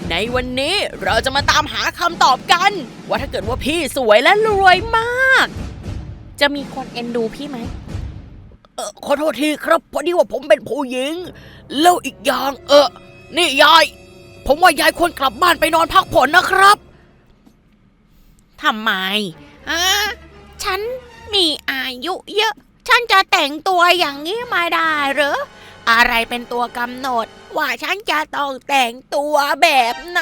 ในวันนี้เราจะมาตามหาคำตอบกันว่าถ้าเกิดว่าพี่สวยและรวยมากจะมีคนเอ็นดูพี่ไหมขอโทษทีครับพอดีว่าผมเป็นผู้หญิงแล้วอีกอย่างนี่ยายผมว่ายายควรกลับบ้านไปนอนพักผ่อนนะครับทำไมฉันมีอายุเยอะฉันจะแต่งตัวอย่างนี้มาได้หรืออะไรเป็นตัวกำหนดว่าฉันจะต้องแต่งตัวแบบไหน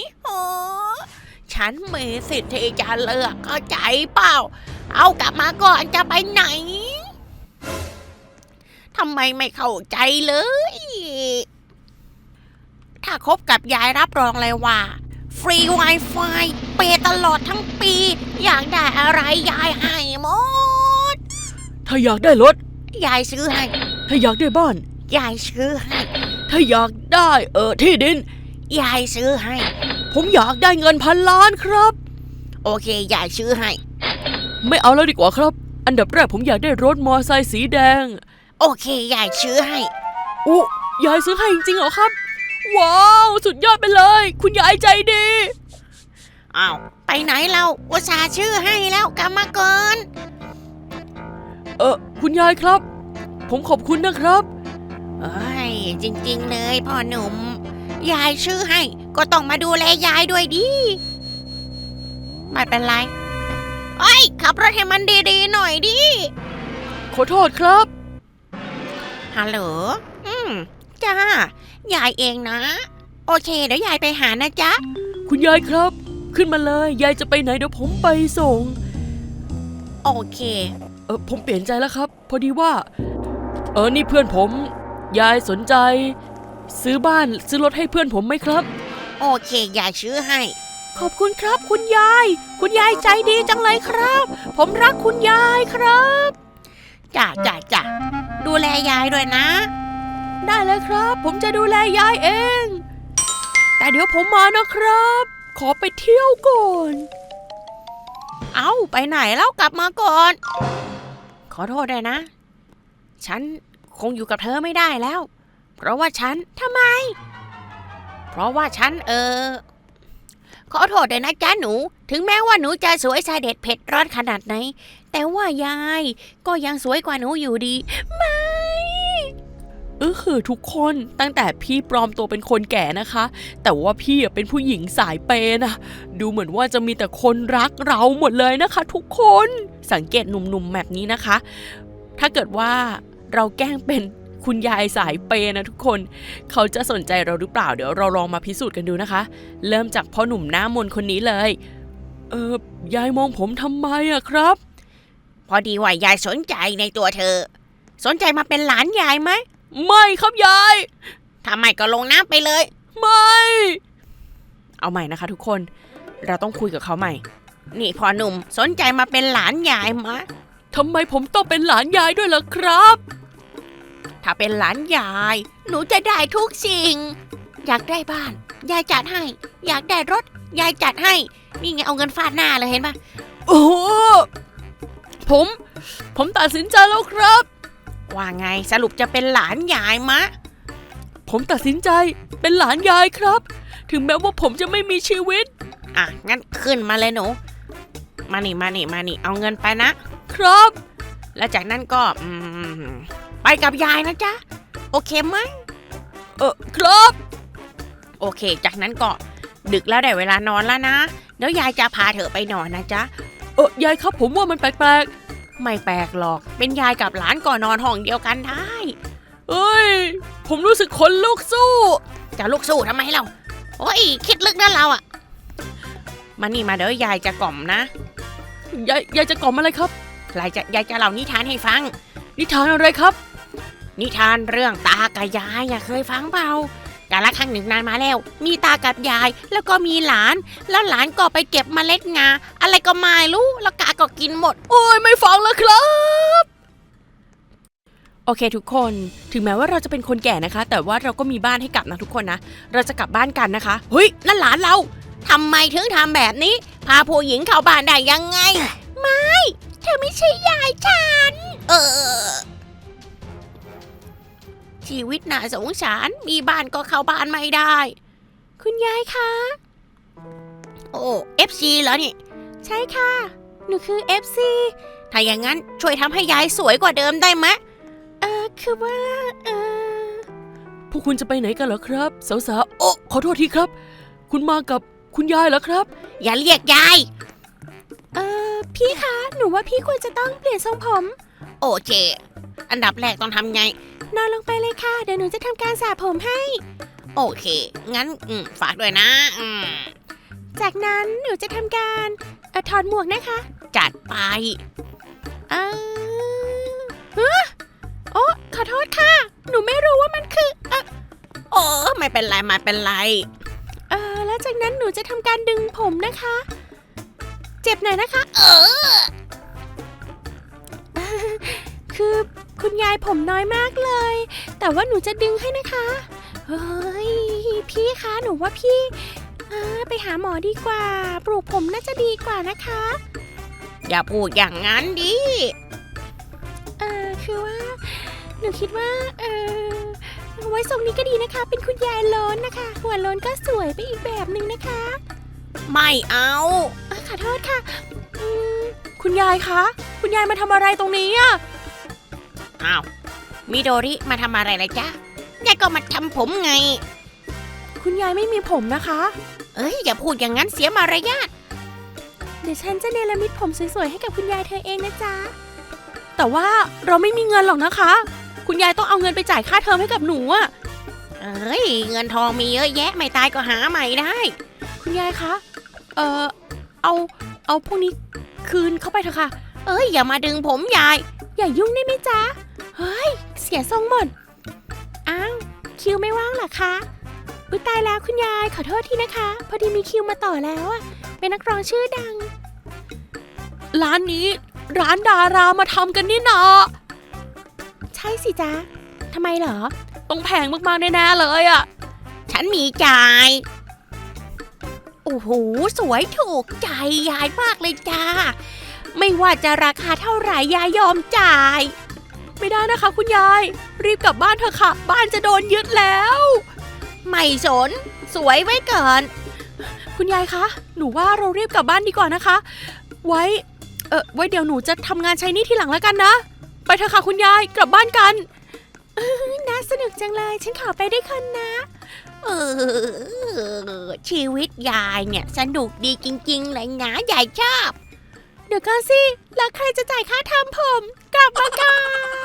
ฉันมีสิทธิ์ที่จะเลือกเข้าใจเปล่าเอากลับมาก่อนจะไปไหนทำไมไม่เข้าใจเลยถ้าคบกับยายรับรองเลยว่าฟรี Wi-Fi เปย์ตลอดทั้งปีอยากได้อะไรยายให้หมดถ้าอยากได้รถยายซื้อให้ถ้าอยากได้บ้านยายซื้อให้ถ้าอยากได้ที่ดินยายซื้อให้ผมอยากได้เงิน1,000,000,000ครับโอเคยายซื้อให้ไม่เอาแล้วดีกว่าครับอันดับแรกผมอยากได้รถมอไซค์สีแดงโอเคยายซื้อให้ยายซื้อให้จริงๆเหรอครับว้าวสุดยอดไปเลยคุณยายใจดีอ้าวไปไหนเราอุตส่าห์ชื่อให้แล้วกลับมาก่อนคุณยายครับผมขอบคุณนะครับจริงๆเลยพ่อหนุ่มยายชื่อให้ก็ต้องมาดูแลยายด้วยดิไม่เป็นไรขับรถให้มันดีๆหน่อยดิขอโทษครับฮัลโหลจ้ายายเองนะโอเคเดี๋ยวยายไปหานะจ๊ะคุณยายครับขึ้นมาเลยยายจะไปไหนเดี๋ยวผมไปส่งโอเคผมเปลี่ยนใจแล้วครับพอดีว่านี่เพื่อนผมยายสนใจซื้อบ้านซื้อรถให้เพื่อนผมไหมครับโอเคยายซื้อให้ขอบคุณครับคุณยายใจดีจังเลยครับผมรักคุณยายครับจ้าดูแลยายด้วยนะได้เลยครับผมจะดูแลยายเองแต่เดี๋ยวผมมานะครับขอไปเที่ยวก่อนไปไหนแล้วกลับมาก่อนขอโทษด้วยนะฉันคงอยู่กับเธอไม่ได้แล้วเพราะว่าฉันทำไมเพราะว่าฉันขอโทษด้วยนะจ๊ะหนูถึงแม้ว่าหนูจะสวยสายเด็ดเผ็ดร้อนขนาดไหนแต่ว่ายายก็ยังสวยกว่าหนูอยู่ดีไม่ทุกคนตั้งแต่พี่ปลอมตัวเป็นคนแก่นะคะแต่ว่าพี่เป็นผู้หญิงสายเปย์นะดูเหมือนว่าจะมีแต่คนรักเราหมดเลยนะคะทุกคนสังเกตหนุ่มๆแบบนี้นะคะถ้าเกิดว่าเราแกล้งเป็นคุณยายสายเปย์นะทุกคนเขาจะสนใจเราหรือเปล่าเดี๋ยวเราลองมาพิสูจน์กันดูนะคะเริ่มจากพ่อหนุ่มหน้ามนคนนี้เลยยายมองผมทำไมอะครับพอดีว่ายายสนใจในตัวเธอสนใจมาเป็นหลานยายไหมไม่ครับยายทำไมก็ลงน้ำไปเลยไม่เอาใหม่นะคะทุกคนเราต้องคุยกับเขาใหม่นี่พ่อหนุ่มสนใจมาเป็นหลานยายมะทำไมผมต้องเป็นหลานยายด้วยล่ะครับถ้าเป็นหลานยายหนูจะได้ทุกสิ่งอยากได้บ้านยายจัดให้อยากได้รถยายจัดให้นี่ไงเอาเงินฟาดหน้าเลยเห็นปะโอ้ผมตัดสินใจแล้วครับว่าไงสรุปจะเป็นหลานยายมะผมตัดสินใจเป็นหลานยายครับถึงแม้ว่าผมจะไม่มีชีวิตงั้นขึ้นมาเลยหนูมานี่เอาเงินไปนะครับแล้วจากนั้นก็ไปกับยายนะจ๊ะโอเคไหมครับโอเคจากนั้นก็ดึกแล้วได้เวลานอนแล้วนะเดี๋ยวยายจะพาเธอไปนอนนะจ๊ะยายครับผมว่ามันแปลกไม่แปลกหรอกเป็นยายกับหลานก่อนนอนห้องเดียวกันได้ผมรู้สึกขนลุกสู้จะลุกสู้ทำไมเราคิดลึกนะเรามานี่มาเดี๋ยวยายจะกล่อมนะยายจะกล่อมอะไรครับยายจะเล่านิทานให้ฟังนิทานอะไรครับนิทานเรื่องตากับยายเคยฟังเปล่ากาลครั้งหนึ่งนานมาแล้วมีตากับยายแล้วก็มีหลานแล้วหลานก็ไปเก็บเมล็ดงาอะไรก็ไม่รู้แล้วกาก็กินหมดไม่ฟังแล้วครับโอเคทุกคนถึงแม้ว่าเราจะเป็นคนแก่นะคะแต่ว่าเราก็มีบ้านให้กลับนะทุกคนนะเราจะกลับบ้านกันนะคะเฮ้ยนั่นหลานเราทำไมถึงทำแบบนี้พาผู้หญิงเข้าบ้านได้ยังไงไม่เธอไม่ใช่ยายฉันชีวิตน่าสงสารมีบ้านก็เข้าบ้านไม่ได้คุณยายคะโอ้ FC เหรอนี่ใช่ค่ะหนูคือ FC ถ้าอย่างนั้นช่วยทำให้ยายสวยกว่าเดิมได้ไหมคือว่าพวกคุณจะไปไหนกันเหรอครับสาวๆโอ้ขอโทษทีครับคุณมากับคุณยายเหรอครับอย่าเรียกยายพี่คะหนูว่าพี่ควรจะต้องเปลี่ยนทรงผมโอเคอันดับแรกต้องทำไงนอนลงไปเลยค่ะเดี๋ยวหนูจะทำการสระผมให้โอเคงั้นฝากด้วยนะจากนั้นหนูจะทำการถอดหมวกนะคะจัดไปโอ้ขอโทษค่ะหนูไม่รู้ว่ามันคือโอ้ไม่เป็นไรไม่เป็นไรแล้วจากนั้นหนูจะทำการดึงผมนะคะเจ็บหน่อยนะคะคือคุณยายผมน้อยมากเลยแต่ว่าหนูจะดึงให้นะคะเฮ้ยพี่คะหนูว่าพี่ไปหาหมอดีกว่าปลูกผมน่าจะดีกว่านะคะอย่าพูดอย่างนั้นดิคือว่าหนูคิดว่าไว้ทรงนี้ก็ดีนะคะเป็นคุณยายโล้นนะคะหัวโล้นก็สวยไปอีกแบบหนึ่งนะคะไม่เอาขอโทษค่ะคุณยายคะคุณยายมาทำอะไรตรงนี้อ่ะอ้าวมิโดริมาทำอะไรเลยจ๊ะยายก็มาทำผมไงคุณยายไม่มีผมนะคะอย่าพูดอย่างนั้นเสียมารยาทเดี๋ยวฉันจะเนรมิตผมสวยๆให้กับคุณยายเธอเองนะจ๊ะแต่ว่าเราไม่มีเงินหรอกนะคะคุณยายต้องเอาเงินไปจ่ายค่าเทอมให้กับหนูอ่ะเงินทองมีเยอะแยะไม่ตายก็หาใหม่ได้คุณยายคะเอาพวกนี้คืนเข้าไปเถอะค่ะอย่ามาดึงผมยายอย่ายุ่งได้ไหมจ๊ะเฮ้ยเสียทรงหมดอ้าวคิวไม่ว่างเหรอคะอุ๊ยตายแล้วคุณยายขอโทษทีนะคะพอดีมีคิวมาต่อแล้วอะเป็นนักร้องชื่อดังร้านนี้ร้านดารามาทำกันนี่นาใช่สิจ๊ะทำไมเหรอต้องแพงมากๆแน่ๆเลยอะฉันมีจ่ายโอ้โหสวยถูกใจยายมากเลยจ้าไม่ว่าจะราคาเท่าไหร่ยายยอมจ่ายไม่ได้นะคะคุณยายรีบกลับบ้านเถอะค่ะบ้านจะโดนยึดแล้วไม่สนสวยไว้ก่อนคุณยายคะหนูว่าเรารีบกลับบ้านดีกว่านะคะไว้เดี๋ยวหนูจะทำงานใช้หนี้ทีหลังแล้วกันนะไปเถอะค่ะคุณยายกลับบ้านกันน่าสนุกจังเลยฉันขอไปด้วยคนนะชีวิตยายเนี่ยสนุกดีจริงๆเลยนะยายชอบเดี๋ยวก่อนสิแล้วใครจะจ่ายค่าทำผมกลับมาก่อน